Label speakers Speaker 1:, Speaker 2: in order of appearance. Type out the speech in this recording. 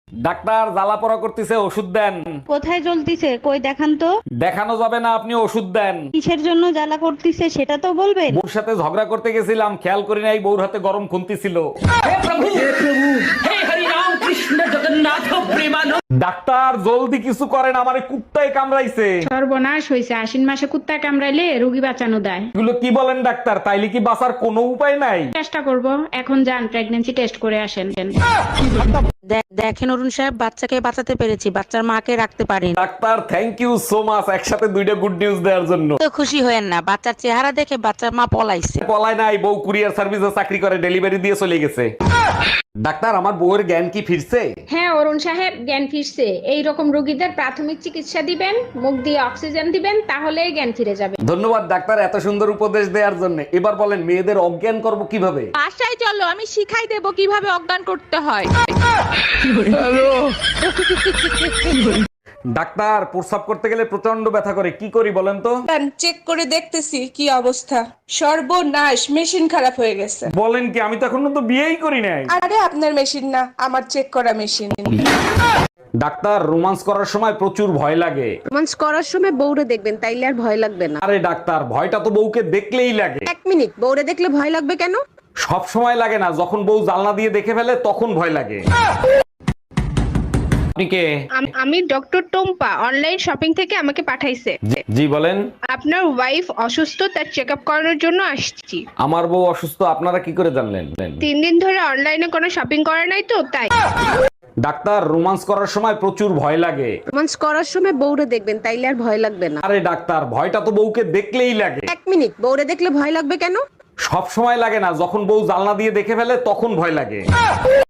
Speaker 1: Doctor জ্বালা পড়া করতেছে, ওষুধ দেন।
Speaker 2: কোথায় জ্বলতিছে কই দেখান তো।
Speaker 1: দেখানো যাবে না, আপনি ওষুধ দেন।
Speaker 2: কিসের জন্য জ্বালা করতিছে সেটা তো বলবেন।
Speaker 1: বউর সাথে ঝগড়া করতে গেছিলাম, খেয়াল করি নাই বউর হাতে গরম খুন্তি ছিল। ডাক্তার জলদি কিছু করেন, আমারে কুত্তায় কামড়াইছে।
Speaker 3: সর্বনাশ হয়েছে, আশ্বিন মাসে কুত্তা কামড়াইলে রোগী বাঁচানো দেয়।
Speaker 1: এগুলো কি বলেন ডাক্তার? তাইলে কি বাঁচার কোনো উপায় নাই?
Speaker 3: চেষ্টা করব, এখন যান প্রেগন্যান্সি টেস্ট করে আসেন।
Speaker 4: দেখেন অরুণ সাহেব, বাচ্চাকে বাঁচাতে পেরেছি, বাচ্চার মাকে রাখতে পারিনি।
Speaker 1: Doctor thank you so much, একসাথে দুইটা গুড নিউজ দেওয়ার জন্য।
Speaker 4: তো খুশি হয়েন না, বাচ্চার চেহারা দেখে বাচ্চার মা পলাইছে।
Speaker 1: পলায় নাই, বউ কুরিয়ার সার্ভিসে চাকরি করে, ডেলিভারি দিয়ে চলে গেছে। ডাক্তার আমার বউয়ের জ্ঞান কি ফিরছে?
Speaker 3: হ্যাঁ অরুণ সাহেব, জ্ঞান ফিরছে। এই রকম রোগীদের প্রাথমিক চিকিৎসা দিবেন, মুখ দিয়ে অক্সিজেন দিবেন, তাহলেই জ্ঞান ফিরে যাবে।
Speaker 1: ধন্যবাদ ডাক্তার এত সুন্দর উপদেশ দেওয়ার জন্য। এবার বলেন মেয়েদের অজ্ঞান করব কিভাবে?
Speaker 5: বাসায় চলো, আমি শিখাই দেবো কিভাবে অজ্ঞান করতে হয়।
Speaker 1: ডাক্তার প্রস্রাব করতে গেলে প্রচন্ড ব্যথা করে, কি করি বলেন তো?
Speaker 6: চেক করে দেখতেছি কি অবস্থা। সর্বনাশ, মেশিন খারাপ হয়ে গেছে।
Speaker 1: বলেন কি? আমি তো এখনো তো বিয়েই করি নাই।
Speaker 6: আরে আপনার মেশিন না, আমার চেক করা মেশিন।
Speaker 1: ডাক্তার রোমান্স করার সময় প্রচুর ভয় লাগে।
Speaker 7: রোমান্স করার সময় বউরে দেখবেন, তাইলে আর ভয় লাগবে না।
Speaker 1: আরে ডাক্তার ভয়টা তো বউকে দেখলেই লাগে।
Speaker 7: এক মিনিট, বউরে দেখলে ভয় লাগবে কেন?
Speaker 1: সব সময় লাগে না, যখন বউ জানলা দিয়ে দেখে ফেলে তখন ভয় লাগে। আপনি কে?
Speaker 8: আমি ডক্টর টম্পা, অনলাইন শপিং থেকে আমাকে পাঠাইছে।
Speaker 1: জি বলেন।
Speaker 8: আপনার ওয়াইফ অসুস্থ, তার চেক আপ করানোর জন্য আসছি।
Speaker 1: আমার বউ অসুস্থ, আপনারা কি করে জানলেন?
Speaker 8: 3 দিন ধরে অনলাইনে কোনো শপিং করে নাই তো তাই।
Speaker 1: ডাক্তার রোমান্স করার সময় প্রচুর ভয় লাগে।
Speaker 7: রোমান্স করার সময় বউরে দেখবেন, তাইলে আর ভয় লাগবে না।
Speaker 1: আরে ডাক্তার ভয়টা তো বউকে দেখলেই লাগে।
Speaker 7: এক মিনিট, বউরে দেখলে ভয় লাগবে কেন?
Speaker 1: সব সময় লাগে না, যখন বউ জানলা দিয়ে দেখে ফেলে তখন ভয় লাগে।